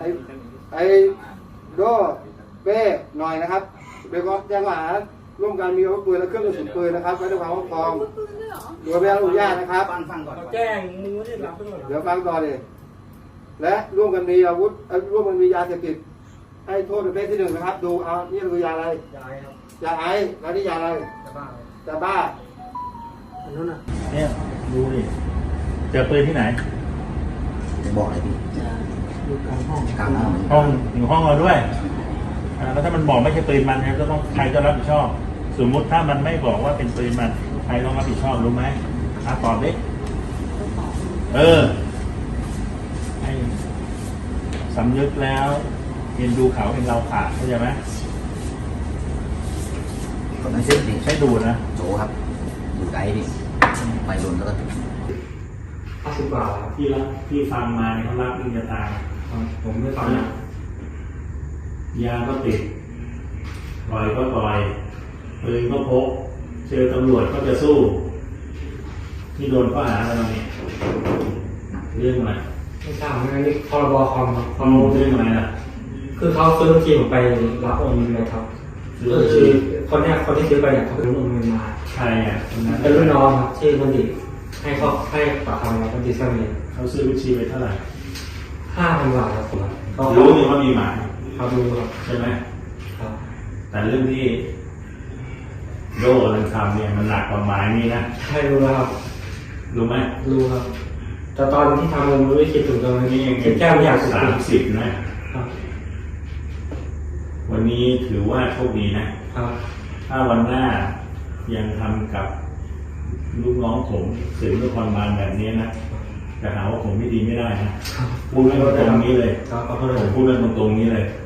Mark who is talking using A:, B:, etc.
A: ไอ้โดเป้หน่อยนะครับโดยก็แจ้งว่าร่วมกันมีอาวุธปืนและเครื่องกระสุนปืนนะครับไว้ในความครอบครองโดยไม่ได้อนุญาตนะครับ
B: ฟังก่อน
C: แจ้งมึงไม่ได้รับไปหมด
A: เดี๋ยวฟังต่อเลยและร่วมกันมีอาวุธร่วมกันมียาเสพติดให้โทษประเภทที่หนึ่งนะครับดูเอานี่คือยาอะไร
C: ยายครับ
A: ยาไอซ์แล้วนี่ยาอะไร
C: จะบ้า
A: ยาบ้า
C: อันนั้นน่ะ
D: เนี่ยดูดิเจอปืนที่ไหน
B: จะบอกอะไรพี่
C: อยู่กลางห้อง
B: กลางห้อง
D: ห้องอยู่ห้องเราด้วยแล้วถ้ามันบอกไม่ใช่ปืนมันเนี่ยก็ต้องใครจะรับผิดชอบ สมมุติถ้ามันไม่บอกว่าเป็นปืนมันใครต้องรับผิดชอบรู้ไหมตอบดิให้สำนึกแล้วเรียนดูเขาเป็นเราขาดเข้าใจไหม
B: ผมไม่ใช่ดิ
D: ใช้ดูนะ
B: โจครับอยู่ไกลดิไปโดนแล้วก็
C: 50 บาท
D: ที่ฟังมาเนี่ยเขารับยิ่งจะตาย
C: ผมไม่ฟังนะ
D: ยาก็ติดปล่อยก็ปล่อยปืนก็พกเจอตำรวจก็จะสู้ที่โดนข้อหาอะไรเนี่ยเรื่องอะไร
C: ไม่ทราบนะนี่พรบคอมครับ
D: เขาเรื่องอะไรล่ะ
C: คือเขาซื้อทีผมไปรับโอนเงินเลยครับก็คือคนที่ซื้อไปเนี่ยเขาเป็นโอนเงินมา
D: ใครอ่ะคนนั้น
C: เป็นรุ่นน้องครับชื่อบัณฑิตให้ปากคำเราบัณฑิตสมัย
D: เขาซื้อบัญชีไปเท่าไหร่
C: 5,000 บาทครับผมเขา
D: รู้นี่ว่ามีหมาย
C: เขาดูครับ
D: ใช่ไหม
C: ครับ
D: แต่เรื่องที่โดนทำเนี่ยมันหนักกว่าหมายนี่นะ
C: ใช่รู้แล้วครับ
D: รู้ไหม
C: รู้ครับแต่ตอนที่ทำผมไม่ได้คิดถึงตรงนี้
D: นี่ยัง
C: คิดแค่ไม่อยากสุด
D: 30นะครับ วันนี้ถือว่าโชคดีนะครับ ถ้าวันหน้ายังทำกับลูกน้องผมสืบนครบาลแบบนี้นะจะหาว่าผมไม่ดีไม่ได้นะพูดเรื่องตรงนี้เลย
C: ครับขอโทษ
D: ผมพูดเรื่องตรงนี้เลย
C: ค